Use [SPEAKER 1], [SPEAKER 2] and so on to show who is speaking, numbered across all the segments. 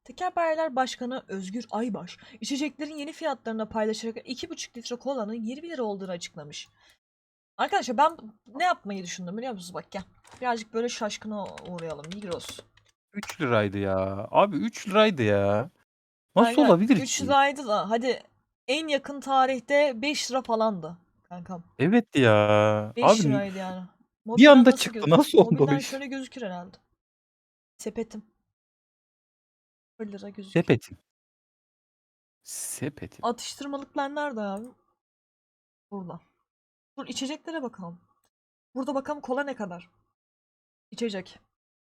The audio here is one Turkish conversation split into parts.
[SPEAKER 1] Tekelbayiler Başkanı Özgür Aybaş, içeceklerin yeni fiyatlarını paylaşarak 2,5 litre kolanın 20 lira olduğunu açıklamış. Arkadaşlar ben ne yapmayı düşündüm biliyor musunuz? Bak gel. Birazcık böyle şaşkına uğrayalım. Migros.
[SPEAKER 2] 3 liraydı ya. Abi 3 liraydı ya. Nasıl
[SPEAKER 1] Kanka
[SPEAKER 2] olabilir
[SPEAKER 1] 3
[SPEAKER 2] ki?
[SPEAKER 1] liraydı da hadi en yakın tarihte 5 lira falandı kankam.
[SPEAKER 2] Evet ya.
[SPEAKER 1] 5
[SPEAKER 2] Abi
[SPEAKER 1] liraydı yani.
[SPEAKER 2] bir
[SPEAKER 1] Mobilden
[SPEAKER 2] anda
[SPEAKER 1] nasıl
[SPEAKER 2] çıktı. Nasıl oldu o
[SPEAKER 1] Mobilden
[SPEAKER 2] iş?
[SPEAKER 1] şöyle gözükür herhalde. Sepetim. 1 lira gözüküyor.
[SPEAKER 2] Sepetim. Sepetim.
[SPEAKER 1] Atıştırmalıklar nerede abi? Burada. Dur içeceklere bakalım. Burada bakalım kola ne kadar? İçecek.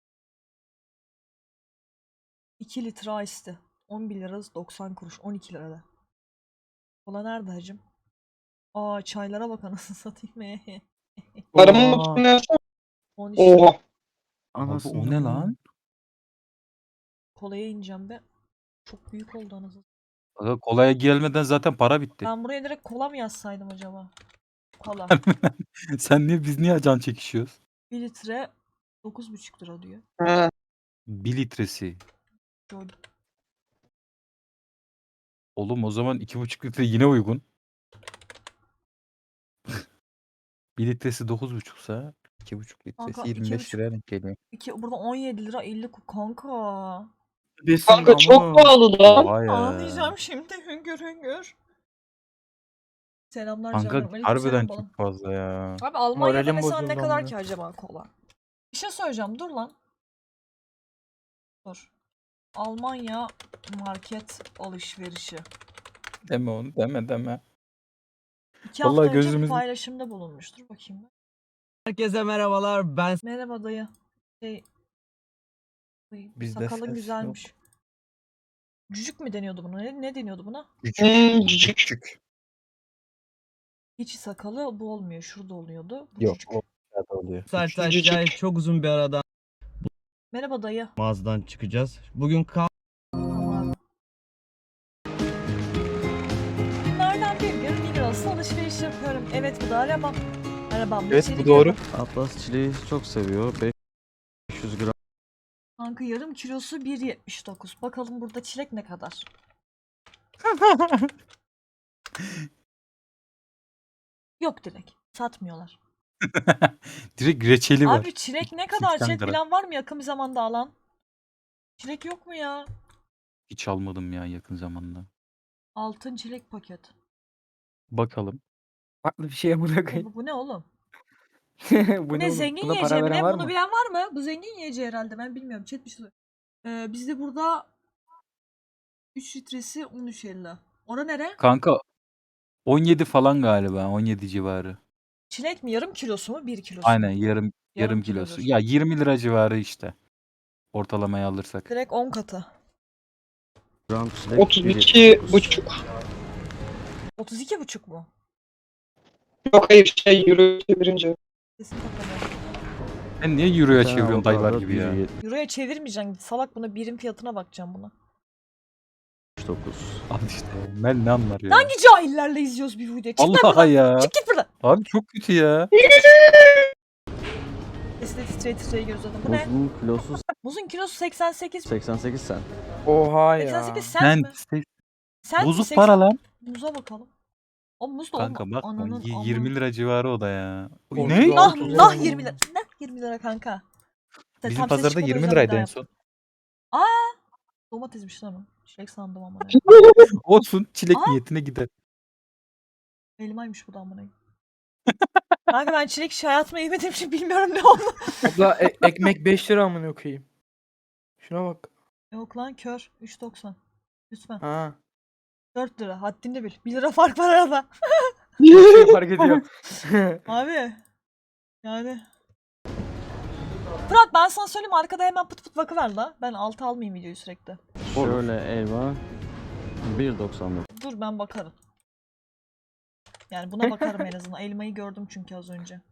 [SPEAKER 1] 2 litre ice'ti. 11 lira 90 kuruş. 12 lirada. Kola nerede hacım? Aa çaylara bak anasını satayım.
[SPEAKER 3] Paramın
[SPEAKER 4] Oha.
[SPEAKER 3] mutlu yapsana.
[SPEAKER 1] 13 lira.
[SPEAKER 3] Oha.
[SPEAKER 2] Abi o
[SPEAKER 4] Anasını
[SPEAKER 2] ne lan?
[SPEAKER 1] Kolaya ineceğim be. Çok büyük oldu anasını.
[SPEAKER 2] Aga kolaya gelmeden zaten para bitti.
[SPEAKER 1] Ben buraya direkt kola mı yazsaydım acaba? Kola.
[SPEAKER 2] Biz niye can çekişiyoruz?
[SPEAKER 1] 1 litre 9,5 lira diyor.
[SPEAKER 3] Ha.
[SPEAKER 2] 1 litresi.
[SPEAKER 1] Gördüm.
[SPEAKER 2] Oğlum o zaman 2,5 litre yine uygun. 1 litresi 9,5'sa 2,5 litresi
[SPEAKER 1] Kanka
[SPEAKER 2] 25
[SPEAKER 1] 2,5
[SPEAKER 2] liraya denk geliyor.
[SPEAKER 1] burada 17 lira 50 kanka.
[SPEAKER 4] Besin
[SPEAKER 3] Kanka çok
[SPEAKER 4] ama.
[SPEAKER 3] pahalı lan.
[SPEAKER 2] Oha ya.
[SPEAKER 1] Ağlayacağım şimdi hüngür hüngür. Selamlar
[SPEAKER 2] Kanka
[SPEAKER 1] canlarım.
[SPEAKER 2] harbiden
[SPEAKER 1] Aleykümselam balım.
[SPEAKER 2] çok fazla ya.
[SPEAKER 1] Abi Almanya'da
[SPEAKER 4] Moralim
[SPEAKER 1] mesela ne
[SPEAKER 4] bozuldu
[SPEAKER 1] kadar
[SPEAKER 4] amına.
[SPEAKER 1] ki acaba kola? Bir şey söyleyeceğim dur lan. Dur. Almanya market alışverişi.
[SPEAKER 2] Deme onu deme.
[SPEAKER 1] 2
[SPEAKER 2] Vallahi
[SPEAKER 1] hafta önce bir
[SPEAKER 2] gözümüz-
[SPEAKER 1] paylaşımda bulunmuştur. Bakayım ben.
[SPEAKER 4] Herkese merhabalar. Ben
[SPEAKER 1] Merhaba dayı. Dayı,
[SPEAKER 4] Bizde
[SPEAKER 1] sakalın
[SPEAKER 4] ses
[SPEAKER 1] güzelmiş. Cücük mü deniyordu buna? Ne deniyordu buna?
[SPEAKER 3] Cücük.
[SPEAKER 2] Küçük.
[SPEAKER 1] Hiç sakalı bu olmuyor. Şurada oluyordu. Bu
[SPEAKER 2] Yok
[SPEAKER 1] cücük.
[SPEAKER 2] o aşağıda oluyor.
[SPEAKER 4] Sertaç
[SPEAKER 3] Cücük.
[SPEAKER 4] Cahil çok uzun bir aradan
[SPEAKER 1] Merhaba dayı.
[SPEAKER 4] mağazadan çıkacağız. Bugün
[SPEAKER 1] Tamam. Günlerden bir gün Migros'ta alışveriş yapıyorum. Evet bu da arabam. Arabam
[SPEAKER 2] Evet,
[SPEAKER 1] içeri
[SPEAKER 2] bu doğru.
[SPEAKER 1] girdim.
[SPEAKER 4] Atlas çileği çok seviyor. 500 gram.
[SPEAKER 1] Kanka yarım kilosu 1,79. Bakalım burada çilek ne kadar? Yok direkt. Satmıyorlar.
[SPEAKER 2] Direkt reçeli var.
[SPEAKER 1] Abi çilek ne
[SPEAKER 2] 280
[SPEAKER 1] kadar? Çilek
[SPEAKER 2] gram.
[SPEAKER 1] bilen var mı yakın bir zamanda alan? Çilek yok mu ya?
[SPEAKER 2] Hiç almadım ya yakın zamanda.
[SPEAKER 1] Altın çilek paket.
[SPEAKER 2] Bakalım.
[SPEAKER 5] Farklı bir şeye bırakayım.
[SPEAKER 1] Bu ne oğlum?
[SPEAKER 5] Bu
[SPEAKER 1] Bu ne
[SPEAKER 5] oğlum?
[SPEAKER 1] zengin
[SPEAKER 5] Buna
[SPEAKER 1] yiyeceği
[SPEAKER 5] para
[SPEAKER 1] mi
[SPEAKER 5] veren
[SPEAKER 1] ne?
[SPEAKER 5] var
[SPEAKER 1] Bunu
[SPEAKER 5] mı?
[SPEAKER 1] bilen var mı? Bu zengin yiyeceği herhalde ben bilmiyorum. Chat bir şey bizde burada 3 litresi 13,50. Ora nere?
[SPEAKER 2] Kanka 17 falan galiba. 17 civarı.
[SPEAKER 1] Çilek mi? Yarım kilosu mu? 1 kilosu
[SPEAKER 2] Aynen
[SPEAKER 1] mu?
[SPEAKER 2] yarım kilosu.
[SPEAKER 1] kilodur.
[SPEAKER 2] Ya 20 lira civarı işte. Ortalamaya alırsak.
[SPEAKER 1] Direkt 10 katı.
[SPEAKER 4] Gram çilek
[SPEAKER 3] 32,5.
[SPEAKER 1] 32,5 mu?
[SPEAKER 3] Yok hayır euro çevirince.
[SPEAKER 1] Kesin kapalı.
[SPEAKER 2] Ben niye euroya çeviriyorum dayılar gibi ya?
[SPEAKER 1] Euro'ya çevirmeyeceksin. Salak buna birim fiyatına bakacağım buna.
[SPEAKER 4] 79.
[SPEAKER 2] Al işte. Mel ne anlar ya?
[SPEAKER 1] Hangi cahillerle izliyoruz bir videoyu? Çık lan
[SPEAKER 2] Allah
[SPEAKER 1] buradan.
[SPEAKER 2] ya.
[SPEAKER 1] Çık git buradan.
[SPEAKER 2] Abi çok kötü ya.
[SPEAKER 1] Sesi de titreye giriyor zaten. Bu ne?
[SPEAKER 4] Muzun kilosu
[SPEAKER 1] Muzun kilosu 88.
[SPEAKER 4] 88 cent.
[SPEAKER 5] Oha ya.
[SPEAKER 1] 88 cent mi? Cent mi?
[SPEAKER 2] Bozuk
[SPEAKER 1] 80
[SPEAKER 2] para lan.
[SPEAKER 1] Muza bakalım. O muz da
[SPEAKER 2] Kanka bak
[SPEAKER 1] Ananın
[SPEAKER 2] 20 lira civarı o da ya.
[SPEAKER 5] Oy,
[SPEAKER 2] Ne?
[SPEAKER 5] ya.
[SPEAKER 1] Nah
[SPEAKER 5] 30
[SPEAKER 1] nah
[SPEAKER 5] lira.
[SPEAKER 1] 20 lira. Nah 20 lira kanka.
[SPEAKER 2] Bizim
[SPEAKER 1] Tam ses
[SPEAKER 2] pazarda
[SPEAKER 1] çıkmadı, o
[SPEAKER 2] 20
[SPEAKER 1] yüzden
[SPEAKER 2] liraydı
[SPEAKER 1] bir daha
[SPEAKER 2] en
[SPEAKER 1] yaptım.
[SPEAKER 2] son.
[SPEAKER 1] Domatesmiş lan o. Çilek sandım amına.
[SPEAKER 2] Olsun çilek
[SPEAKER 1] Aa!
[SPEAKER 2] niyetine gider.
[SPEAKER 1] Elmaymış bu da amına. Kanka ben çilek hiç hayatımda yemediğim için bilmiyorum ne oldu.
[SPEAKER 5] Abla ekmek 5 lira amına koyayım. Şuna bak.
[SPEAKER 1] Yok lan kör. 3,90. Lütfen.
[SPEAKER 5] Ha.
[SPEAKER 1] 4 lira. Haddini bil. 1 lira fark var arada.
[SPEAKER 5] Şey fark ediyor.
[SPEAKER 1] Abi. Yani. Fırat ben sana söyleyeyim arkada hemen pıt pıt bakıver la. Ben altı almayayım videoyu sürekli.
[SPEAKER 4] Şöyle elma 1.99.
[SPEAKER 1] Dur ben bakarım. Yani buna bakarım en azından. Elmayı gördüm çünkü az önce.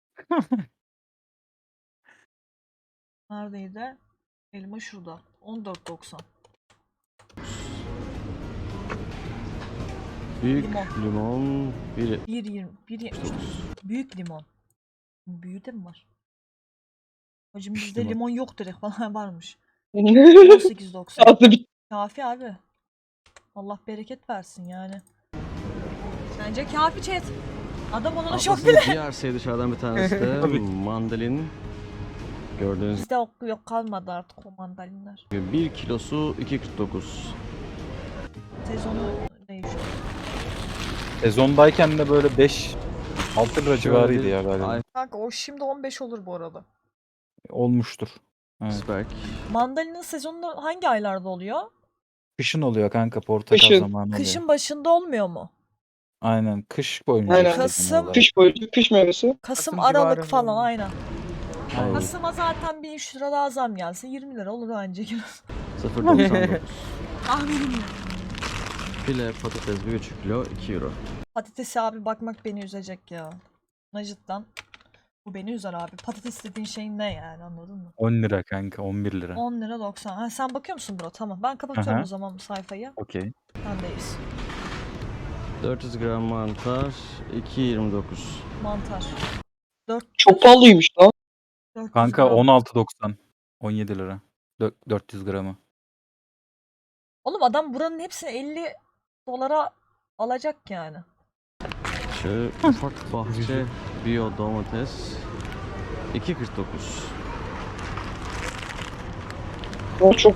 [SPEAKER 1] Neredeydi? Elma şurada. 14,90.
[SPEAKER 4] Büyük
[SPEAKER 1] Limon.
[SPEAKER 4] limon
[SPEAKER 1] 1,20. 1,79. Büyük limon. Büyüğü de mi var? Hacım bizde
[SPEAKER 2] limon.
[SPEAKER 1] limon yok direkt falan varmış.
[SPEAKER 3] Ağzı
[SPEAKER 1] 18,90. Kafi abi. Allah bereket versin yani. Bence kafi chat. Adam olana çok
[SPEAKER 4] Atlas'ın
[SPEAKER 1] bile.
[SPEAKER 4] diğer sevdişlerden bir tanesi de
[SPEAKER 2] Tabii.
[SPEAKER 4] mandalin. Gördüğünüz
[SPEAKER 1] Bizde yok kalmadı artık o mandalinler.
[SPEAKER 4] gibi 1 kilosu 2.49.
[SPEAKER 1] Sezonu değişti.
[SPEAKER 2] Sezondayken de böyle 5-6 lira civarıydı
[SPEAKER 4] bir
[SPEAKER 2] ya galiba.
[SPEAKER 1] Kanka o şimdi 15 olur bu arada.
[SPEAKER 2] Olmuştur. Evet.
[SPEAKER 4] iceberg.
[SPEAKER 1] Mandalinin sezonu hangi aylarda oluyor?
[SPEAKER 2] Kışın oluyor kanka, portakal
[SPEAKER 3] Kışın.
[SPEAKER 2] zamanı oluyor.
[SPEAKER 1] Kışın başında olmuyor mu?
[SPEAKER 2] Aynen, kış boyunca
[SPEAKER 3] Aynen.
[SPEAKER 2] işte genel
[SPEAKER 1] Kasım-
[SPEAKER 2] olarak.
[SPEAKER 3] Kış boyunca kış meyvesi.
[SPEAKER 1] Kasım,
[SPEAKER 5] Kasım
[SPEAKER 1] Aralık
[SPEAKER 5] civarında
[SPEAKER 1] falan
[SPEAKER 5] oluyor.
[SPEAKER 1] aynen.
[SPEAKER 2] Aynen.
[SPEAKER 1] Kasım'a zaten bir 3 lira daha zam gelse 20 lira olur bence.
[SPEAKER 4] 0.99.
[SPEAKER 1] Tahminim ya.
[SPEAKER 4] File patates 1,5 kilo 2 euro.
[SPEAKER 1] Patatesi abi bakmak beni üzecek ya. Cidden. Bu beni üzer abi. Patates dediğin şey ne yani, anladın mı?
[SPEAKER 2] 10 lira kanka, 11 lira.
[SPEAKER 1] 10 lira 90. Ha, sen bakıyor musun bro? Tamam. Ben kapatıyorum
[SPEAKER 2] Aha.
[SPEAKER 1] o zaman bu sayfayı.
[SPEAKER 2] Okey.
[SPEAKER 1] Sendeyiz.
[SPEAKER 4] 400 gram mantar 2.29.
[SPEAKER 1] Mantar. 400,
[SPEAKER 3] Çok pahalıymış lan.
[SPEAKER 1] 400
[SPEAKER 2] Kanka
[SPEAKER 1] gram.
[SPEAKER 2] 16.90. 17 lira. 400 gramı.
[SPEAKER 1] Oğlum adam buranın hepsini 50 dolara alacak yani.
[SPEAKER 4] Şöyle ufak bahçe bio domates 2.49.
[SPEAKER 3] O çok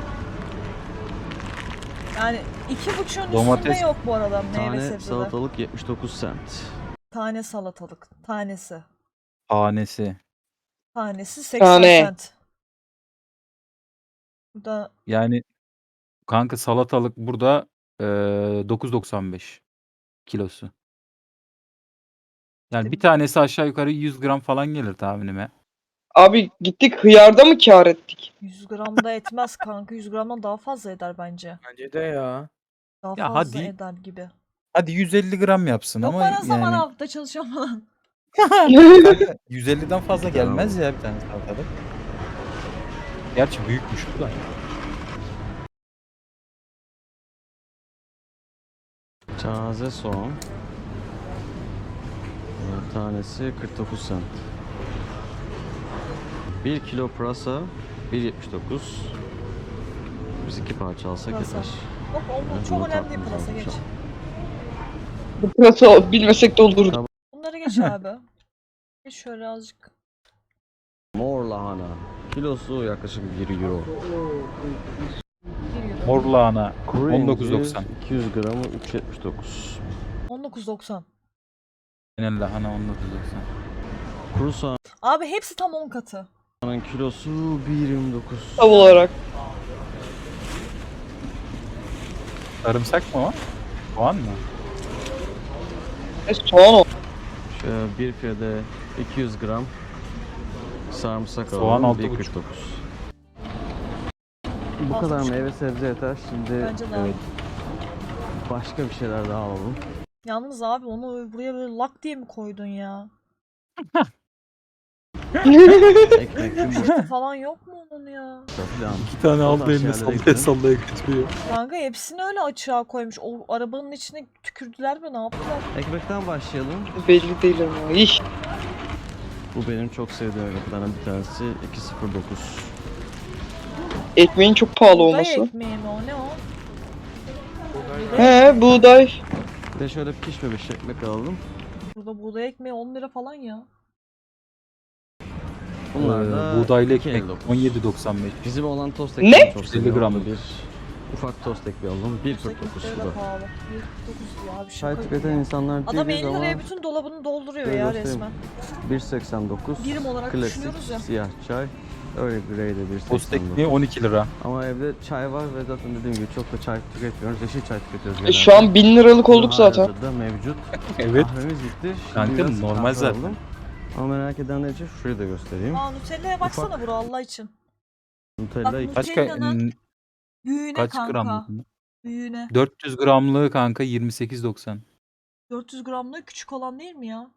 [SPEAKER 1] Yani 2,5'un üstünde
[SPEAKER 2] Domates-
[SPEAKER 1] yok bu arada meyve
[SPEAKER 4] Tane
[SPEAKER 1] sebzeler.
[SPEAKER 4] salatalık 79 cent.
[SPEAKER 1] Tane salatalık. Tanesi.
[SPEAKER 2] Tanesi.
[SPEAKER 1] Tanesi 80
[SPEAKER 3] Tane.
[SPEAKER 1] cent. Burada
[SPEAKER 2] Yani kanka salatalık burada 9.95 kilosu. Yani bir tanesi aşağı yukarı 100 gram falan gelir tahminime.
[SPEAKER 3] Abi gittik hıyarda mı kâr ettik?
[SPEAKER 1] 100 gram da etmez kanka. 100 gramdan daha fazla eder bence.
[SPEAKER 5] Bence de ya.
[SPEAKER 1] Daha
[SPEAKER 2] Ya
[SPEAKER 1] fazla
[SPEAKER 2] hadi.
[SPEAKER 1] eder gibi.
[SPEAKER 2] Hadi 150 gram yapsın
[SPEAKER 1] Yok
[SPEAKER 2] ama
[SPEAKER 1] ben o zaman
[SPEAKER 2] yani
[SPEAKER 1] hafta çalışıyorum falan.
[SPEAKER 2] kanka 150'den fazla gelmez ya bir tane salatalık. Gerçi büyükmüş bu da.
[SPEAKER 4] Taze soğan. Tanesi 49 cent. 1 kilo pırasa 1.79. Biz 2 parça alsak
[SPEAKER 1] Pırasa.
[SPEAKER 4] yeter.
[SPEAKER 1] Yok o
[SPEAKER 4] Ben
[SPEAKER 1] çok
[SPEAKER 4] bunu
[SPEAKER 1] önemli değil
[SPEAKER 4] tatmayacağım
[SPEAKER 1] pırasa geç.
[SPEAKER 4] şu an.
[SPEAKER 3] Bu pırasa bilmesek de olurdu.
[SPEAKER 1] Bunları geç abi. Geç şöyle azıcık.
[SPEAKER 4] Mor lahana. Kilosu yaklaşık 1 euro.
[SPEAKER 1] 1 euro.
[SPEAKER 2] Mor lahana
[SPEAKER 4] Kuru incir
[SPEAKER 2] 19.90.
[SPEAKER 4] 200 gramı 3.79.
[SPEAKER 1] 19.90.
[SPEAKER 2] Genel lahana 19.90.
[SPEAKER 4] Kuru soğanın
[SPEAKER 1] Abi hepsi tam 10 katı.
[SPEAKER 4] kilosu 1.29.
[SPEAKER 3] Tam olarak.
[SPEAKER 2] Sarımsak mı o? Soğan mı?
[SPEAKER 3] Soğan o.
[SPEAKER 4] Şöyle bir filede 200 gram sarımsak
[SPEAKER 2] Soğan
[SPEAKER 4] alalım.
[SPEAKER 2] 6,5.
[SPEAKER 4] 1.49. Bu kadar
[SPEAKER 1] 6,5.
[SPEAKER 4] meyve sebze yeter. Şimdi
[SPEAKER 1] Bence de abi.
[SPEAKER 4] başka bir şeyler daha alalım.
[SPEAKER 1] Yalnız abi onu buraya böyle lak diye mi koydun ya?
[SPEAKER 4] Ekmek, yumurta
[SPEAKER 1] Poşeti falan yok mu onun ya?
[SPEAKER 4] falan.
[SPEAKER 2] 2 tane
[SPEAKER 4] O
[SPEAKER 2] aldı
[SPEAKER 4] tarz
[SPEAKER 2] eline
[SPEAKER 4] şeylere
[SPEAKER 2] sallaya
[SPEAKER 4] gidelim.
[SPEAKER 2] sallaya götürüyor.
[SPEAKER 1] Kanka hepsini öyle açığa koymuş. O arabanın içine tükürdüler mi, ne yaptılar?
[SPEAKER 4] Ekmekten başlayalım.
[SPEAKER 3] Belli değil ama. İş.
[SPEAKER 4] Bu benim çok sevdiğim ekmeklerden bir tanesi. 2.09.
[SPEAKER 3] Ekmeğin çok pahalı
[SPEAKER 1] Buğday
[SPEAKER 3] olması.
[SPEAKER 1] ekmeği mi o, ne o?
[SPEAKER 3] He buğday.
[SPEAKER 4] Bir de şöyle pişmemiş ekmek alalım.
[SPEAKER 1] Burada buğday ekmeği 10 lira falan ya.
[SPEAKER 4] Bunlar da
[SPEAKER 2] Buğdaylı ekmek
[SPEAKER 4] 2.59.
[SPEAKER 2] 17.95.
[SPEAKER 4] Bizim olan tost
[SPEAKER 3] Ne?
[SPEAKER 4] ekmeği çok
[SPEAKER 2] 150
[SPEAKER 4] seviyorum.
[SPEAKER 2] gramlık.
[SPEAKER 4] Bir ufak tost ekmeği alalım. 1.49
[SPEAKER 1] Ekmekleri
[SPEAKER 4] bu
[SPEAKER 1] de
[SPEAKER 4] da.
[SPEAKER 1] pahalı. 1,49 diyor abi,
[SPEAKER 4] Çay
[SPEAKER 1] şaka gibi
[SPEAKER 4] tüketen
[SPEAKER 1] ya.
[SPEAKER 4] insanlar
[SPEAKER 1] Adam
[SPEAKER 4] değiliz
[SPEAKER 1] 50
[SPEAKER 4] ama
[SPEAKER 1] liraya bütün dolabını dolduruyor
[SPEAKER 4] şöyle
[SPEAKER 1] ya
[SPEAKER 4] göstereyim.
[SPEAKER 1] resmen.
[SPEAKER 4] 1.89
[SPEAKER 1] Birim olarak
[SPEAKER 4] klasik
[SPEAKER 1] düşünüyoruz ya.
[SPEAKER 4] siyah çay. Öyle grey de
[SPEAKER 2] Tost
[SPEAKER 4] 1.89.
[SPEAKER 2] ekmeği 12 lira.
[SPEAKER 4] Ama evde çay var ve zaten dediğim gibi çok da çay tüketmiyoruz. Yeşil çay tüketiyoruz genelde.
[SPEAKER 3] Şu an 1000 liralık olduk zaten.
[SPEAKER 4] Da mevcut.
[SPEAKER 2] Evet.
[SPEAKER 4] Kahvemiz bitti. Şimdi
[SPEAKER 2] Kanka,
[SPEAKER 4] biraz
[SPEAKER 2] normal
[SPEAKER 4] kahve
[SPEAKER 2] zaten.
[SPEAKER 4] alalım. Ama merak edenler için şurayı da göstereyim.
[SPEAKER 1] Aa Nutella'ya baksana bro Allah için.
[SPEAKER 4] Nutella
[SPEAKER 1] Bak,
[SPEAKER 4] iki-
[SPEAKER 2] Kaç
[SPEAKER 1] Nutella'nın büyüğüne
[SPEAKER 2] kaç
[SPEAKER 1] kanka.
[SPEAKER 2] gramlık?
[SPEAKER 1] Büyüğüne.
[SPEAKER 2] 400 gramlığı kanka 28.90.
[SPEAKER 1] 400 gramlık küçük olan değil mi ya?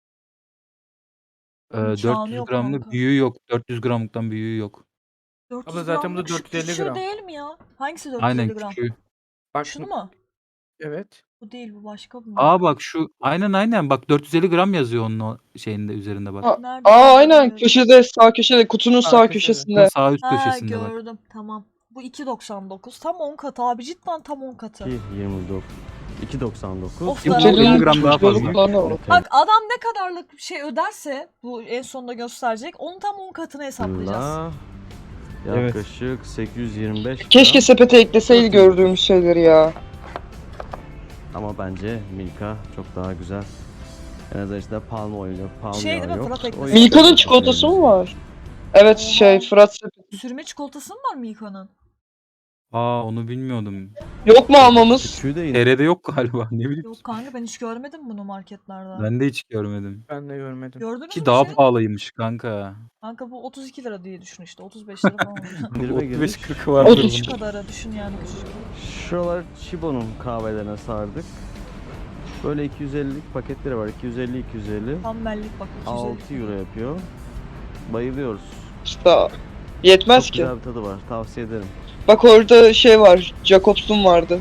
[SPEAKER 2] Ee,
[SPEAKER 1] İmkanı
[SPEAKER 2] 400
[SPEAKER 1] yok
[SPEAKER 2] gramlık
[SPEAKER 1] kanka.
[SPEAKER 2] büyüğü yok. 400 gramlıktan büyüğü yok.
[SPEAKER 1] 400
[SPEAKER 5] Abla zaten bu da
[SPEAKER 1] gramlık şu
[SPEAKER 5] 450
[SPEAKER 1] küçüğü
[SPEAKER 5] gram.
[SPEAKER 1] değil mi ya? Hangisi 450
[SPEAKER 2] Aynen
[SPEAKER 1] gram?
[SPEAKER 2] küçüğü.
[SPEAKER 5] Bak
[SPEAKER 1] Şunu mu?
[SPEAKER 5] evet.
[SPEAKER 1] Bu değil, bu başka bu.
[SPEAKER 2] Aa bak şu aynen bak 450 gram yazıyor onun o şeyinde üzerinde bak.
[SPEAKER 3] Aa,
[SPEAKER 1] Nerede?
[SPEAKER 3] Aa aynen
[SPEAKER 1] Göremiyorum.
[SPEAKER 3] köşede sağ köşede kutunun
[SPEAKER 5] Sağ
[SPEAKER 3] sağ
[SPEAKER 5] köşede.
[SPEAKER 2] Bunun
[SPEAKER 3] köşesinde.
[SPEAKER 2] sağ üst
[SPEAKER 1] Ha
[SPEAKER 2] köşesinde bak.
[SPEAKER 1] gördüm, tamam. Bu 2.99. Tam 10 katı abi, cidden tam 10 katı.
[SPEAKER 4] 2.29. 2.99.
[SPEAKER 1] Of,
[SPEAKER 2] Yok,
[SPEAKER 1] zarar.
[SPEAKER 2] 50 gram daha fazla.
[SPEAKER 3] Çocuklarına bak.
[SPEAKER 1] Bak adam ne kadarlık bir şey öderse bu en sonunda gösterecek. Onun tam 10 katını hesaplayacağız.
[SPEAKER 4] La,
[SPEAKER 2] Evet.
[SPEAKER 4] yaklaşık 825
[SPEAKER 3] Keşke
[SPEAKER 4] gram.
[SPEAKER 3] sepete ekleseydi gördüğümüz şeyleri ya.
[SPEAKER 4] Ama bence Milka çok daha güzel. En azından işte palm oil yok, palm
[SPEAKER 1] Şey
[SPEAKER 4] yağı
[SPEAKER 1] değil mi,
[SPEAKER 4] yok.
[SPEAKER 1] Fırat
[SPEAKER 4] O
[SPEAKER 1] ekmeği.
[SPEAKER 4] yüzden
[SPEAKER 3] Milka'nın
[SPEAKER 4] çok
[SPEAKER 3] çikolatası mı
[SPEAKER 4] sevdim.
[SPEAKER 3] var? Evet
[SPEAKER 1] Oha.
[SPEAKER 3] Fırat sepeti.
[SPEAKER 1] Sürme çikolatası mı var Milka'nın?
[SPEAKER 2] Aa, onu bilmiyordum.
[SPEAKER 3] Yok mu almamız?
[SPEAKER 4] Küçüğü de yine.
[SPEAKER 2] TR'de yok galiba, ne bileyim.
[SPEAKER 1] Yok kanka, ben hiç görmedim bunu marketlerde.
[SPEAKER 2] Ben de hiç görmedim.
[SPEAKER 5] Ben de görmedim.
[SPEAKER 1] Gördünüz
[SPEAKER 2] Ki
[SPEAKER 1] mü
[SPEAKER 2] daha
[SPEAKER 1] şey?
[SPEAKER 2] pahalıymış kanka.
[SPEAKER 1] Kanka bu 32 lira diye düşün işte. 35 lira falan oluyor.
[SPEAKER 4] İndirime girmiş.
[SPEAKER 2] 35-40 vardır
[SPEAKER 3] 30
[SPEAKER 2] bunun.
[SPEAKER 1] Şu kadarı düşün yani, küçücük.
[SPEAKER 4] Şuralar Chibo'nun kahvelerine sardık. Böyle 250'lik paketleri var. 250-250.
[SPEAKER 1] Tam bellik bak, 250.
[SPEAKER 4] 6 euro yapıyor. Bayılıyoruz.
[SPEAKER 3] İşte yetmez
[SPEAKER 4] Çok
[SPEAKER 3] ki.
[SPEAKER 4] güzel bir tadı var. Tavsiye ederim.
[SPEAKER 3] Bak orada şey var. Jacobs'un vardı.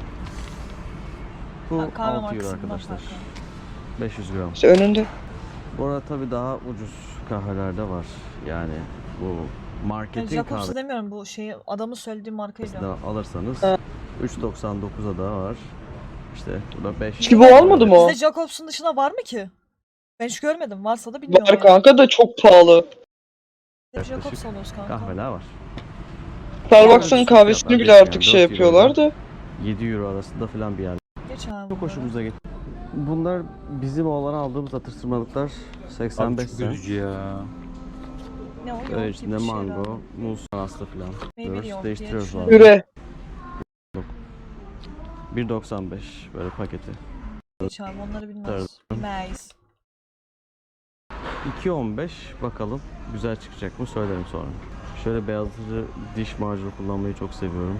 [SPEAKER 4] Bu
[SPEAKER 1] Ha, kahve
[SPEAKER 4] 6 euro
[SPEAKER 1] markası bunlar
[SPEAKER 4] arkadaşlar.
[SPEAKER 1] kanka.
[SPEAKER 4] 500 gram.
[SPEAKER 3] İşte önünde.
[SPEAKER 4] Bu arada tabii daha ucuz kahveler de var. Yani bu
[SPEAKER 1] Yani
[SPEAKER 4] marketin
[SPEAKER 1] Jacobs'u demiyorum, bu şeyi adamın söylediği markayla.
[SPEAKER 4] kahvesinden alırsanız
[SPEAKER 3] Ha.
[SPEAKER 4] 3.99'a da var. İşte bu da 5.
[SPEAKER 3] Ki bu olmadı mı o?
[SPEAKER 1] Bizde Jacobs'un dışında var mı ki? Ben hiç görmedim. Varsa da bilmiyorum
[SPEAKER 3] Var
[SPEAKER 1] yani.
[SPEAKER 3] kanka da çok pahalı.
[SPEAKER 1] Hep Jacobs alıyoruz kanka.
[SPEAKER 4] Kahveler var.
[SPEAKER 3] Starbucks'ın
[SPEAKER 4] Ucuz
[SPEAKER 3] kahvesini
[SPEAKER 4] fiyatlar,
[SPEAKER 3] bile
[SPEAKER 4] yani
[SPEAKER 3] artık şey
[SPEAKER 4] 4
[SPEAKER 3] yapıyorlar da.
[SPEAKER 4] 7 euro arasında falan bir yer.
[SPEAKER 1] Geç abi.
[SPEAKER 4] Çok
[SPEAKER 1] bunları.
[SPEAKER 4] hoşumuza gitti. Bunlar bizim oğlana aldığımız atıştırmalıklar.
[SPEAKER 2] Abi
[SPEAKER 4] 85
[SPEAKER 2] çok
[SPEAKER 4] cent.
[SPEAKER 2] üzücü ya.
[SPEAKER 1] Ne o? Yoğurt
[SPEAKER 4] Böyle
[SPEAKER 1] gibi
[SPEAKER 4] içinde
[SPEAKER 1] bir şey
[SPEAKER 4] mango,
[SPEAKER 1] herhalde.
[SPEAKER 4] muz, anaslı falan.
[SPEAKER 1] Meyveli
[SPEAKER 4] Diyoruz,
[SPEAKER 1] yoğurt diye
[SPEAKER 4] değiştiriyoruz
[SPEAKER 1] düşünüyorum.
[SPEAKER 4] bazen.
[SPEAKER 3] Yüre.
[SPEAKER 4] 1.95 böyle paketi.
[SPEAKER 1] Geç abi, onları bilmez. Bilmeyiz.
[SPEAKER 4] 2.15 bakalım güzel çıkacak mı söylerim sonra. Şöyle beyazlatıcı diş macunu kullanmayı çok seviyorum.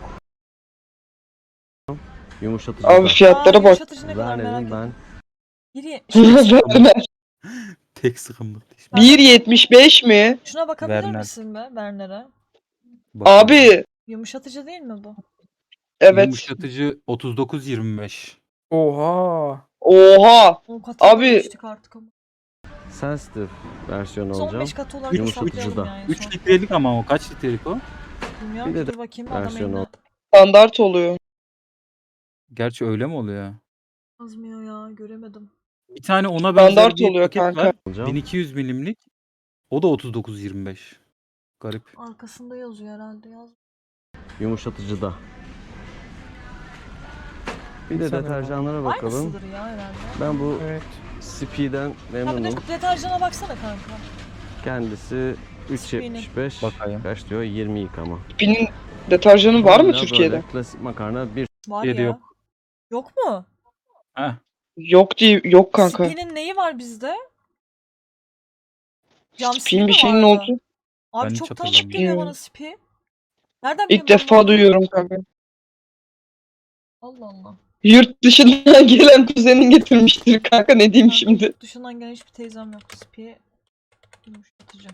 [SPEAKER 4] Yumuşatıcı
[SPEAKER 3] Abi
[SPEAKER 4] da.
[SPEAKER 3] fiyatlara bak.
[SPEAKER 1] Yumuşatıcı ne kadar merak
[SPEAKER 4] Verne'nin
[SPEAKER 1] ettim.
[SPEAKER 4] ben
[SPEAKER 1] Biri
[SPEAKER 2] Tek sıkımlık diş.
[SPEAKER 3] 1.75 mi?
[SPEAKER 1] Şuna bakabilir
[SPEAKER 2] Werner.
[SPEAKER 1] misin be Werner'e?
[SPEAKER 2] Bakıyorum.
[SPEAKER 3] Abi
[SPEAKER 1] Yumuşatıcı değil mi bu?
[SPEAKER 3] evet.
[SPEAKER 2] Yumuşatıcı 39-25.
[SPEAKER 5] Oha.
[SPEAKER 3] Oha.
[SPEAKER 1] O katına
[SPEAKER 3] Abi-
[SPEAKER 1] geçtik artık ama.
[SPEAKER 4] sensitive versiyonu
[SPEAKER 1] Biz
[SPEAKER 4] alacağım.
[SPEAKER 1] 15 katı olarak
[SPEAKER 4] Yumuşatıcı
[SPEAKER 1] hesaplayalım
[SPEAKER 4] da.
[SPEAKER 1] ya en
[SPEAKER 2] 3
[SPEAKER 1] son.
[SPEAKER 2] litrelik ama o kaç litrelik o?
[SPEAKER 1] Bilmiyorum
[SPEAKER 4] Bir
[SPEAKER 1] ki,
[SPEAKER 4] de
[SPEAKER 1] dur bakayım adam
[SPEAKER 4] versiyonu
[SPEAKER 1] eline.
[SPEAKER 3] Standart oluyor.
[SPEAKER 2] Gerçi öyle mi oluyor?
[SPEAKER 1] Yazmıyor ya, göremedim.
[SPEAKER 2] Bir tane ona benzer
[SPEAKER 3] Standart
[SPEAKER 2] bir
[SPEAKER 3] oluyor
[SPEAKER 2] paket
[SPEAKER 3] kanka.
[SPEAKER 2] var.
[SPEAKER 4] alacağım.
[SPEAKER 2] 1200 milimlik. O da 39-25. Garip.
[SPEAKER 1] Arkasında yazıyor herhalde, yaz.
[SPEAKER 4] Yumuşatıcı da. Bir de
[SPEAKER 5] Sanırım
[SPEAKER 4] deterjanlara bakalım.
[SPEAKER 1] Aynısıdır ya herhalde.
[SPEAKER 4] Ben bu
[SPEAKER 5] Evet.
[SPEAKER 4] Spi'den
[SPEAKER 1] Ha bir de
[SPEAKER 4] memnunum.
[SPEAKER 1] deterjana baksana kanka.
[SPEAKER 4] Kendisi 3.75.
[SPEAKER 2] Bakayım.
[SPEAKER 4] Kaç diyor? 20 yıkama.
[SPEAKER 3] Spin'in deterjanı var mı
[SPEAKER 4] Hala
[SPEAKER 3] Türkiye'de?
[SPEAKER 4] böyle klasik makarna bir
[SPEAKER 1] Var
[SPEAKER 2] Türkiye'de
[SPEAKER 1] ya.
[SPEAKER 2] yok.
[SPEAKER 1] Yok mu?
[SPEAKER 2] Heh.
[SPEAKER 3] Yok değil, yok kanka.
[SPEAKER 1] Spi'nin neyi var bizde? Cam
[SPEAKER 3] Spin
[SPEAKER 1] mi
[SPEAKER 3] bir şeyin
[SPEAKER 1] vardı?
[SPEAKER 3] oldu.
[SPEAKER 1] Abi
[SPEAKER 2] Ben hiç
[SPEAKER 1] çok tanıdık
[SPEAKER 2] hatırlamıyorum.
[SPEAKER 1] geliyor bana Spi. Nereden biliyorsun
[SPEAKER 3] İlk defa
[SPEAKER 1] bunu?
[SPEAKER 3] duyuyorum kanka.
[SPEAKER 1] Allah Allah.
[SPEAKER 3] Yurt dışından gelen kuzenin getirmiştir kanka, ne diyeyim
[SPEAKER 1] Ben
[SPEAKER 3] şimdi.
[SPEAKER 1] yurt dışından gelen hiçbir teyzem yok. Spi yumuşatıcı.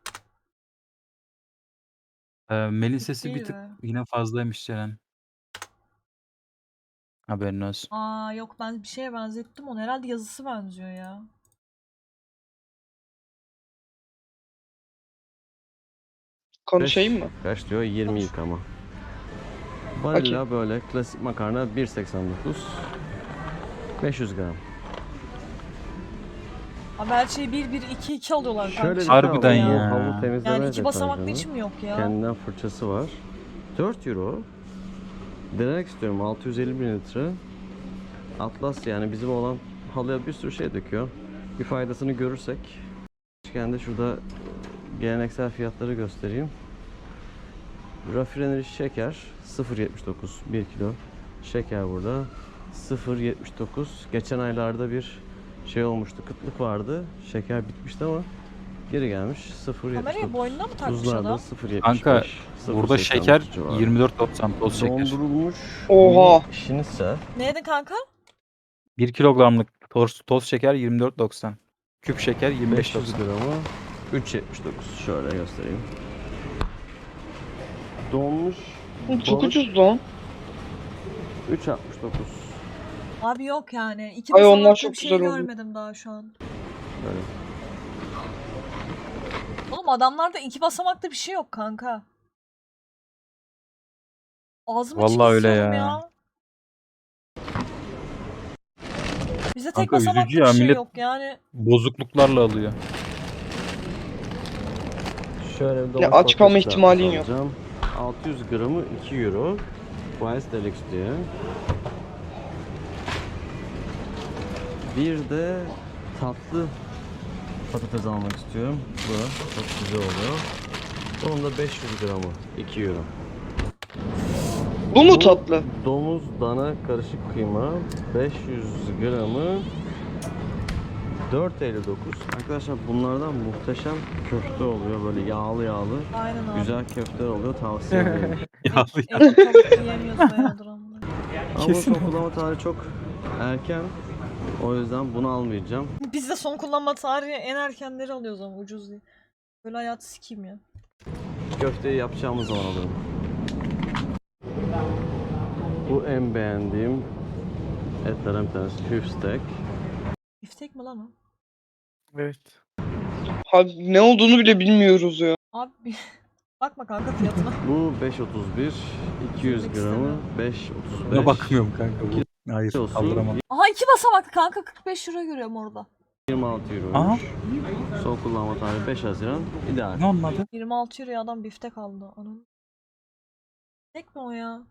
[SPEAKER 2] Melin sesi
[SPEAKER 1] İyi
[SPEAKER 2] bir tık
[SPEAKER 1] be.
[SPEAKER 2] yine fazlaymış Ceren. Haberin olsun.
[SPEAKER 1] Aa yok, ben bir şeye benzettim onu. Herhalde yazısı benziyor ya.
[SPEAKER 3] Konuşayım mı?
[SPEAKER 4] Kaç diyor? 20
[SPEAKER 1] Konuş.
[SPEAKER 4] yıkama. Vanilla böyle klasik makarna 1.89. 500 gram.
[SPEAKER 1] Abi her şeyi 1-1-2-2 alıyorlar kanka.
[SPEAKER 4] Şöyle bir
[SPEAKER 1] Şaka
[SPEAKER 2] Harbiden
[SPEAKER 1] ya.
[SPEAKER 4] bu
[SPEAKER 2] ya.
[SPEAKER 4] havlu temizleme
[SPEAKER 1] Yani iki basamaklı
[SPEAKER 4] deterjanı.
[SPEAKER 1] hiç mi yok ya?
[SPEAKER 4] Kendinden fırçası var. 4 euro. Denemek istiyorum. 650 mililitre. Atlas yani bizim olan halıya bir sürü şey döküyor. Bir faydasını görürsek. Kendi şurada geleneksel fiyatları göstereyim. Raffineri şeker 0.79 1 kilo. Şeker burada 0.79. Geçen aylarda bir şey olmuştu. Kıtlık vardı. Şeker bitmişti ama geri gelmiş 0.79.
[SPEAKER 1] Kamerayı boynuna mı takmış
[SPEAKER 4] Tuzlar da
[SPEAKER 1] adam?
[SPEAKER 4] 0.75.
[SPEAKER 2] Kanka, Burada
[SPEAKER 4] 0.89
[SPEAKER 2] şeker
[SPEAKER 4] civarı.
[SPEAKER 2] 24.90 toz şeker.
[SPEAKER 4] Dondurulmuş
[SPEAKER 3] Oha.
[SPEAKER 4] mini şinitzel.
[SPEAKER 1] Ne yedin kanka?
[SPEAKER 2] 1 kilogramlık toz şeker 24.90. Küp şeker
[SPEAKER 4] 500
[SPEAKER 2] 25.90.
[SPEAKER 4] gramı 3.79. Şöyle göstereyim. Donmuş
[SPEAKER 3] Çok
[SPEAKER 4] balık
[SPEAKER 3] ucuz lan.
[SPEAKER 4] 3.69.
[SPEAKER 1] Abi yok yani. İki
[SPEAKER 3] Ay, onlar
[SPEAKER 1] basamaklı
[SPEAKER 3] çok
[SPEAKER 1] bir şey
[SPEAKER 3] güzel oluyor.
[SPEAKER 1] görmedim daha şu an.
[SPEAKER 4] Böyle.
[SPEAKER 1] Oğlum adamlarda iki basamaklı bir şey yok kanka. Ağzım
[SPEAKER 2] Vallahi
[SPEAKER 1] açık
[SPEAKER 2] öyle
[SPEAKER 1] istiyorum
[SPEAKER 2] ya.
[SPEAKER 1] ya. Bizde tek
[SPEAKER 2] Kanka
[SPEAKER 1] basamaklı
[SPEAKER 2] üzücü
[SPEAKER 1] bir
[SPEAKER 2] ya,
[SPEAKER 1] şey
[SPEAKER 2] millet
[SPEAKER 1] yok yani.
[SPEAKER 2] bozukluklarla alıyor.
[SPEAKER 4] Şöyle bir
[SPEAKER 3] Ya
[SPEAKER 4] domates
[SPEAKER 3] aç kalma
[SPEAKER 4] patates
[SPEAKER 3] ihtimalin yok.
[SPEAKER 4] kızartması alacağım. 600 gramı 2 euro. Rice Deluxe diye. Bir de tatlı patates almak istiyorum. Bu çok güzel oluyor. Onun da 500 gramı 2 euro.
[SPEAKER 3] Bu mu tatlı?
[SPEAKER 4] Domuz dana karışık kıyma 500 gramı 4.59. Arkadaşlar bunlardan muhteşem köfte oluyor, böyle yağlı yağlı.
[SPEAKER 1] Aynen abi.
[SPEAKER 4] Güzel köfteler oluyor, tavsiye ederim.
[SPEAKER 2] Ya,
[SPEAKER 1] Et tavuk yiyemiyoruz bayağıdır ama.
[SPEAKER 4] Ama
[SPEAKER 2] Kesin.
[SPEAKER 4] son kullanma tarihi çok erken. O yüzden bunu almayacağım.
[SPEAKER 1] Biz de son kullanma tarihi en erkenleri alıyoruz ama ucuz diye. Böyle hayatı sikeyim ya.
[SPEAKER 4] Köfteyi yapacağımız zaman alırım. Bu en beğendiğim etlerden bir tanesi. Hüf steak.
[SPEAKER 1] Biftek mi lan o?
[SPEAKER 5] Evet.
[SPEAKER 3] Abi ne olduğunu bile bilmiyoruz ya.
[SPEAKER 1] Abi bakma kanka fiyatına.
[SPEAKER 4] Bu 5.31. 200
[SPEAKER 1] Söylemek
[SPEAKER 4] gramı
[SPEAKER 1] istemiyorum.
[SPEAKER 4] 5.35.
[SPEAKER 2] Buna bakmıyorum kanka bu. Hayır,
[SPEAKER 4] Olsun.
[SPEAKER 2] kaldıramam.
[SPEAKER 1] Aha 2 basamaklı kanka 45 euro görüyorum orada.
[SPEAKER 4] 26 euroymuş.
[SPEAKER 2] Aha.
[SPEAKER 4] Son kullanma tarihi 5 Haziran. İdeal.
[SPEAKER 2] Ne onun adı?
[SPEAKER 1] 26 euroya adam biftek aldı. Onun. Biftek mi o ya?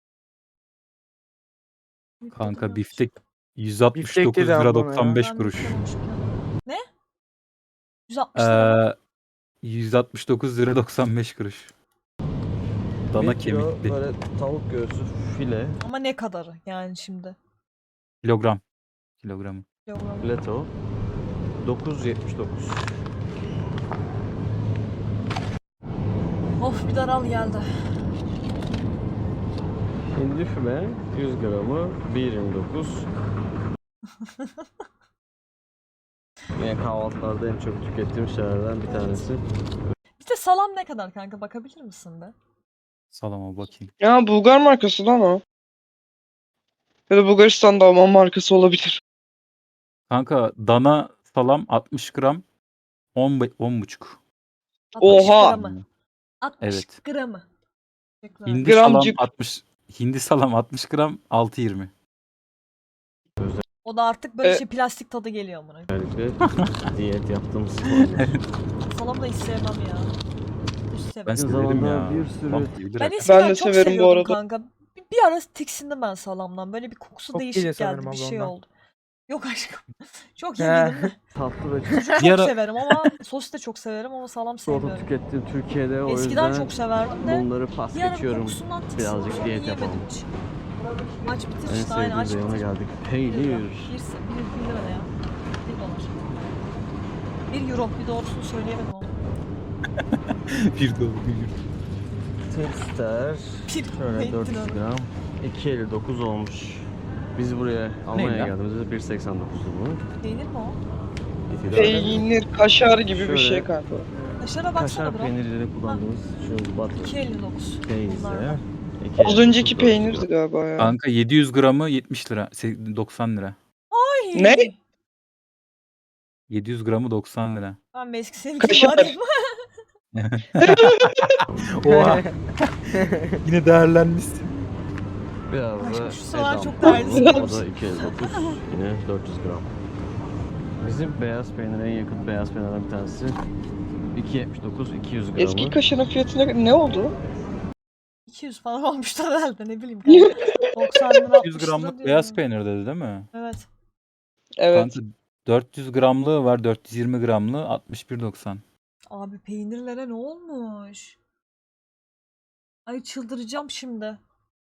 [SPEAKER 1] Biftek
[SPEAKER 2] Kanka
[SPEAKER 1] alıyormuş.
[SPEAKER 2] biftek
[SPEAKER 5] Biftek
[SPEAKER 2] 169
[SPEAKER 5] dedi
[SPEAKER 2] lira
[SPEAKER 5] abla ya.
[SPEAKER 2] 95
[SPEAKER 1] Ben
[SPEAKER 2] kuruş.
[SPEAKER 1] biftek almışım ya. Ne? 160 lira mı?
[SPEAKER 2] 169 lira 95 kuruş. Dana
[SPEAKER 4] 1 kilo
[SPEAKER 2] kemikli.
[SPEAKER 4] böyle tavuk göğsü file.
[SPEAKER 1] Ama ne kadarı yani şimdi?
[SPEAKER 2] Kilogram. Kilogramı.
[SPEAKER 1] Kilogram.
[SPEAKER 4] Fileto 9.79.
[SPEAKER 1] Of bir daral geldi.
[SPEAKER 4] Hindi füme 100 gramı 1.29. Yine kahvaltılarda en çok tükettiğim şeylerden bir tanesi.
[SPEAKER 1] Bir de salam ne kadar kanka bakabilir misin be?
[SPEAKER 2] Salama bakayım.
[SPEAKER 3] Ya Bulgar markası lan o. Ya da Bulgaristan'da Alman markası olabilir.
[SPEAKER 2] Kanka dana salam 60 gram 10,5.
[SPEAKER 1] 60
[SPEAKER 3] Oha!
[SPEAKER 1] gramı. 60
[SPEAKER 2] Evet.
[SPEAKER 1] gramı. Teşekkürler.
[SPEAKER 2] Hindi salam
[SPEAKER 3] Gramcık.
[SPEAKER 2] 60. Hindi salam 60 gram 6,20.
[SPEAKER 1] O da artık böyle
[SPEAKER 3] E-
[SPEAKER 1] şey plastik tadı geliyor amına.
[SPEAKER 4] Özellikle diyet yaptığımız zamanlar.
[SPEAKER 1] Salam da hiç sevmem ya. Hiç
[SPEAKER 2] Ben
[SPEAKER 1] sevmem.
[SPEAKER 2] severim
[SPEAKER 4] zamanda
[SPEAKER 2] ya.
[SPEAKER 4] bir sürü-
[SPEAKER 2] Tamam, iyidir
[SPEAKER 1] Ben
[SPEAKER 2] hakikaten.
[SPEAKER 1] eskiden
[SPEAKER 3] de
[SPEAKER 1] çok
[SPEAKER 3] severim bu
[SPEAKER 1] seviyordum
[SPEAKER 3] arada.
[SPEAKER 1] kanka. Bir ara tiksindim ben salamdan. Böyle bir kokusu
[SPEAKER 5] Çok
[SPEAKER 1] değişik
[SPEAKER 5] geliyor
[SPEAKER 1] geldi.
[SPEAKER 5] sanırım
[SPEAKER 1] Bir
[SPEAKER 5] abla
[SPEAKER 1] şey
[SPEAKER 5] ondan.
[SPEAKER 1] oldu. Yok aşkım. Çok
[SPEAKER 5] He.
[SPEAKER 1] yemedim de.
[SPEAKER 4] Tatlı ve
[SPEAKER 1] Çok
[SPEAKER 2] Bir ara-
[SPEAKER 1] severim ama sos da çok severim ama salam
[SPEAKER 4] çikolata
[SPEAKER 1] sevmiyorum.
[SPEAKER 4] tükettiğim Türkiye'de, o
[SPEAKER 1] Eskiden
[SPEAKER 4] yüzden
[SPEAKER 1] çok severdim de.
[SPEAKER 4] bunları pas
[SPEAKER 1] Bir ara
[SPEAKER 4] geçiyorum.
[SPEAKER 1] kokusundan tiksindim.
[SPEAKER 4] Birazcık
[SPEAKER 1] Sonra
[SPEAKER 4] diyet
[SPEAKER 1] yiyemedim
[SPEAKER 4] yapalım.
[SPEAKER 1] hiç. Maç bitir
[SPEAKER 4] En
[SPEAKER 1] işte aynı aç
[SPEAKER 4] sevdiğim reyona
[SPEAKER 1] bitir.
[SPEAKER 4] geldik.
[SPEAKER 1] 1
[SPEAKER 4] Peynir.
[SPEAKER 1] lira. 1 lira ne ya? 1 dolar. 1 euro. Bir doğrusunu söyleyemedim ama.
[SPEAKER 2] Bir dolu bir.
[SPEAKER 4] Tester.
[SPEAKER 1] Bir
[SPEAKER 4] Şöyle
[SPEAKER 1] peynir
[SPEAKER 4] 400
[SPEAKER 1] lira.
[SPEAKER 4] gram. 2.59 olmuş. Biz buraya Almanya'ya
[SPEAKER 2] lan?
[SPEAKER 4] geldiğimizde 1.89'du bu.
[SPEAKER 1] Peynir mi o?
[SPEAKER 3] Peynir, kaşar gibi bir
[SPEAKER 4] Şöyle-
[SPEAKER 3] şey kanka.
[SPEAKER 1] Kaşara baksana
[SPEAKER 4] Kaşar
[SPEAKER 1] bro.
[SPEAKER 4] peynirleri kullandığımız şu butter
[SPEAKER 1] 2.59.
[SPEAKER 4] teyze.
[SPEAKER 1] Bunlardan.
[SPEAKER 3] Az önceki peynirdi galiba ya.
[SPEAKER 2] Kanka 700 gramı 70 lira. 90 lira.
[SPEAKER 1] Ay!
[SPEAKER 3] Ne?
[SPEAKER 2] 700 gramı 90 lira.
[SPEAKER 1] Ben bir eski sevgilim
[SPEAKER 3] Kaşar.
[SPEAKER 1] arayayım.
[SPEAKER 2] Oha. Yine değerlenmişsin.
[SPEAKER 4] Biraz da
[SPEAKER 1] Aşkım şu sıralar
[SPEAKER 4] edam.
[SPEAKER 1] çok değerli.
[SPEAKER 4] O da 2.59. Yine 400 gram. Bizim beyaz peynire en yakın beyaz peynirden bir tanesi. 2.79 200 gramı.
[SPEAKER 3] Eski kaşarın fiyatı ne oldu?
[SPEAKER 1] 200 falan olmuştur herhalde ne bileyim kanka. 90 lira 60
[SPEAKER 2] 100
[SPEAKER 1] lira
[SPEAKER 2] gramlık
[SPEAKER 1] diyorum
[SPEAKER 2] beyaz
[SPEAKER 1] ya.
[SPEAKER 2] peynir dedi değil mi?
[SPEAKER 1] Evet.
[SPEAKER 3] Evet.
[SPEAKER 2] Kanka 400 gramlığı var, 420 gramlığı 61.90.
[SPEAKER 1] Abi peynirlere ne olmuş? Ay çıldıracağım şimdi.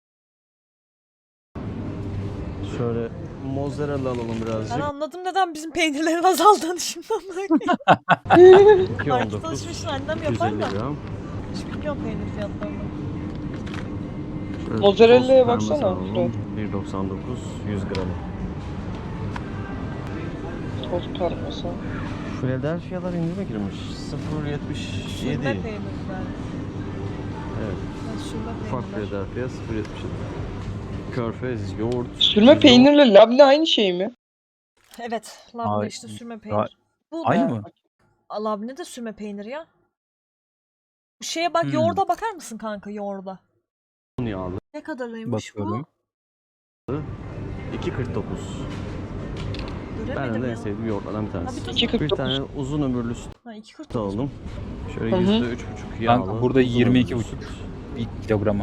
[SPEAKER 4] Şöyle mozzarella alalım
[SPEAKER 1] Ben
[SPEAKER 4] birazcık.
[SPEAKER 1] anladım neden bizim peynirlerin azaldığını şimdi anlayayım. Market
[SPEAKER 4] 2.19
[SPEAKER 1] alışverişini annem yapar
[SPEAKER 4] 250
[SPEAKER 1] da.
[SPEAKER 4] gram.
[SPEAKER 1] Hiç bilmiyorum peynir fiyatlarını.
[SPEAKER 4] Şöyle
[SPEAKER 3] Mozzarella'ya
[SPEAKER 4] toz parmesan
[SPEAKER 3] baksana,
[SPEAKER 4] alalım. 1.99 100 gram.
[SPEAKER 3] Toz parmesan.
[SPEAKER 4] Philadelphia'lar indirime girmiş. 0.77.
[SPEAKER 1] Sürme peynir yani.
[SPEAKER 4] Evet.
[SPEAKER 1] Yani sürme
[SPEAKER 4] Ufak
[SPEAKER 1] peynirler.
[SPEAKER 4] Philadelphia 0.77. Körfez, yoğurt.
[SPEAKER 3] Sürme
[SPEAKER 4] yoğurt.
[SPEAKER 3] peynirle labne aynı şey mi?
[SPEAKER 1] Evet. Labne
[SPEAKER 2] Ay,
[SPEAKER 1] işte sürme
[SPEAKER 2] daha-
[SPEAKER 1] peynir. Bu
[SPEAKER 2] Aynı
[SPEAKER 1] da
[SPEAKER 2] mı?
[SPEAKER 1] labne de sürme peynir ya. Bu şeye bak
[SPEAKER 2] Hmm.
[SPEAKER 1] yoğurda bakar mısın kanka yoğurda?
[SPEAKER 4] yağlı.
[SPEAKER 1] Ne kadarıymış bu?
[SPEAKER 2] Bakıyorum.
[SPEAKER 4] 2.49.
[SPEAKER 1] Göremedim
[SPEAKER 4] Ben de en
[SPEAKER 1] ya.
[SPEAKER 4] sevdiğim yoğurtlardan bir
[SPEAKER 1] Ha,
[SPEAKER 4] tanesi.
[SPEAKER 1] bir tut.
[SPEAKER 3] 2.49.
[SPEAKER 4] Bir tane uzun ömürlü süt
[SPEAKER 1] Ha 2.49.
[SPEAKER 4] aldım. Şöyle
[SPEAKER 3] Hı hı.
[SPEAKER 4] %3,5 yağlı.
[SPEAKER 2] Kanka burada
[SPEAKER 4] uzun ömürlü
[SPEAKER 2] 22,5
[SPEAKER 4] süt.
[SPEAKER 2] 1 kilogramı.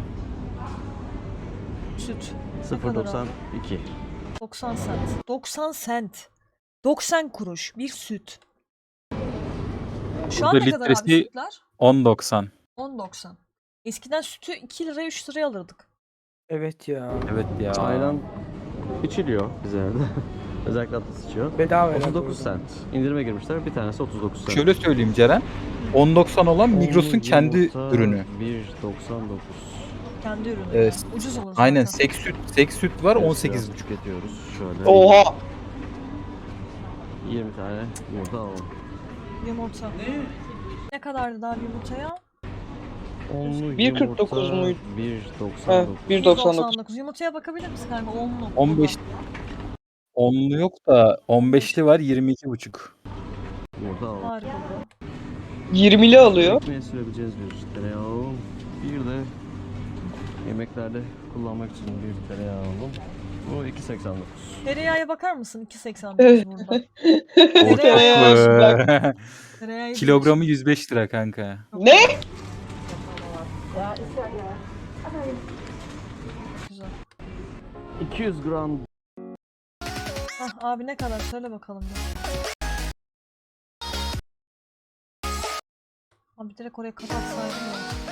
[SPEAKER 1] Süt. Ne kadar abi?
[SPEAKER 4] 0.92.
[SPEAKER 1] 90 sent. 90 sent. 90 kuruş bir süt. Şu an
[SPEAKER 2] Burada
[SPEAKER 1] ne kadar abi
[SPEAKER 2] litresi
[SPEAKER 1] sütler?
[SPEAKER 2] 10.90.
[SPEAKER 1] 10.90. Eskiden sütü 2 liraya 3 liraya alırdık.
[SPEAKER 5] Evet ya.
[SPEAKER 2] Evet ya.
[SPEAKER 4] Ayran içiliyor bize evde. Özellikle Atlas içiyor.
[SPEAKER 5] Bedava herhalde
[SPEAKER 4] 39
[SPEAKER 5] orada.
[SPEAKER 4] cent. İndirime girmişler. Bir tanesi 39 cent.
[SPEAKER 2] Şöyle söyleyeyim Ceren. 10.90 olan Migros'un
[SPEAKER 4] Onlu
[SPEAKER 2] kendi
[SPEAKER 4] yumurta
[SPEAKER 2] ürünü.
[SPEAKER 4] 1.99.
[SPEAKER 1] Kendi ürünü.
[SPEAKER 2] Evet.
[SPEAKER 1] Yani. Ucuz olur zaten.
[SPEAKER 2] Aynen sek süt var
[SPEAKER 4] Evet,
[SPEAKER 2] 18,5.
[SPEAKER 4] biraz tüketiyoruz. Şöyle
[SPEAKER 3] Oha.
[SPEAKER 4] 20 tane yumurta alalım.
[SPEAKER 1] Yumurta. Ne kadardı daha yumurtaya?
[SPEAKER 4] Onlu
[SPEAKER 3] 1.49
[SPEAKER 4] yumurta
[SPEAKER 3] muydu?
[SPEAKER 4] 1.99.
[SPEAKER 3] 1.99.
[SPEAKER 1] Yumurtaya bakabilir misin kanka? 10'lu.
[SPEAKER 2] 15 10'lu yok da 15'li var 22,5.
[SPEAKER 4] Yumurta alalım.
[SPEAKER 1] Harika bu.
[SPEAKER 3] 20'li alıyor.
[SPEAKER 4] Ekmeğe sürebileceğiz bir tereyağı. Bir de yemeklerde kullanmak için bir tereyağı aldım. Bu 2.89.
[SPEAKER 1] Tereyağıya bakar mısın? 2.89
[SPEAKER 3] Evet.
[SPEAKER 1] burada.
[SPEAKER 2] O
[SPEAKER 1] Tereyağı
[SPEAKER 2] çok
[SPEAKER 3] bak.
[SPEAKER 1] Tereyağı
[SPEAKER 2] Kilogramı 105 lira kanka.
[SPEAKER 3] Ne?
[SPEAKER 1] Güzel.
[SPEAKER 4] 200 gram
[SPEAKER 1] Hah abi ne kadar söyle bakalım ya. Abi direkt oraya kapatsaydım ya.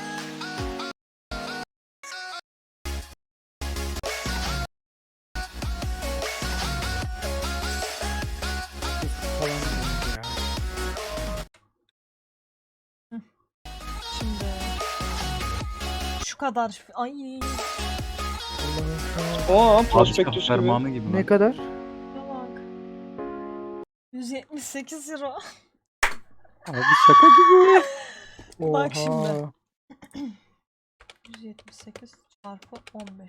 [SPEAKER 5] Falan ya.
[SPEAKER 1] Şimdi şu kadar. Ay
[SPEAKER 5] Allah'ım ya.
[SPEAKER 3] Oha
[SPEAKER 2] Padişah
[SPEAKER 3] prospektüs gibi.
[SPEAKER 2] fermanı gibi
[SPEAKER 5] Ne
[SPEAKER 2] lan.
[SPEAKER 5] kadar?
[SPEAKER 1] şuna bak. 178 euro.
[SPEAKER 2] Abi şaka gibi.
[SPEAKER 1] Bak
[SPEAKER 5] Oha.
[SPEAKER 1] şimdi. 178 çarpı 15.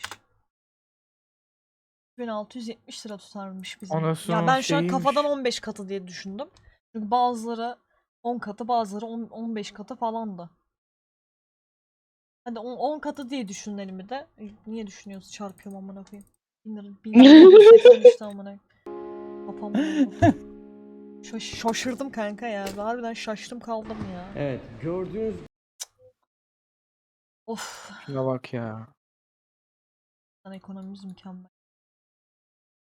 [SPEAKER 1] 1670 lira tutarmış bizim.
[SPEAKER 5] Anasının
[SPEAKER 1] Ya ben şu an
[SPEAKER 5] şeyiymiş.
[SPEAKER 1] kafadan 15 katı diye düşündüm. Çünkü bazıları 10 katı, bazıları 15 katı falandı. Hadi 10 katı diye düşünelim bir de. Niye düşünüyoruz? Çarpıyorum amına koyayım. 1183 amına. Kafamı vurdu. Şaşırdım kanka ya. Harbiden şaştım kaldım ya.
[SPEAKER 4] Evet, gördüğünüz
[SPEAKER 1] Of.
[SPEAKER 5] Şuna bak ya.
[SPEAKER 1] Ekonomimiz mükemmel.